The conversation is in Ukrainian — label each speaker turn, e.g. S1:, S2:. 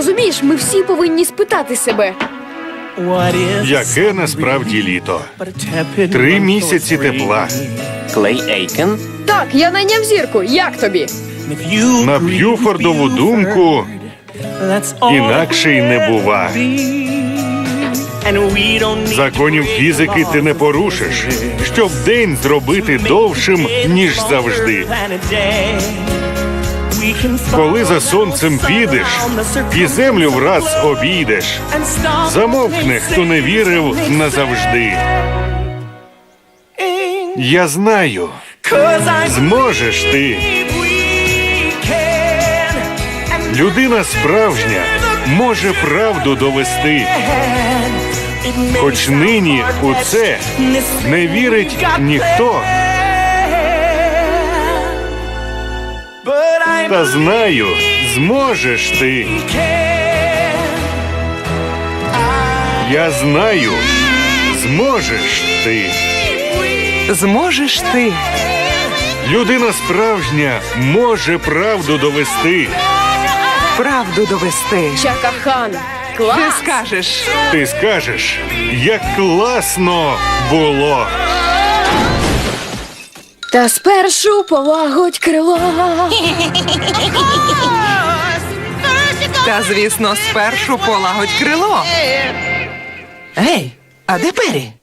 S1: Розумієш, ми всі повинні спитати себе.
S2: Яке насправді літо? 3 місяці тепла.
S3: Клей Ейкен?
S1: Так, я найняв зірку. Як тобі?
S2: На Б'юфордову думку, інакше й не бува. Законів фізики ти не порушиш, щоб день зробити довшим, ніж завжди. Коли за сонцем підеш і землю враз обійдеш, замовкне, хто не вірив назавжди. Я знаю, зможеш ти. Людина справжня може правду довести. Хоч нині у це не вірить ніхто. Та знаю, зможеш ти. Я знаю, зможеш ти.
S4: Зможеш ти.
S2: Людина справжня може правду довести.
S4: Правду довести.
S1: Чака-хан.
S4: Ти
S1: Клас!
S4: скажеш.
S2: Ти скажеш, як класно було.
S1: Та спершу полагодь крило.
S4: Та, звісно, спершу полагодь крило. Гей, а де Пері?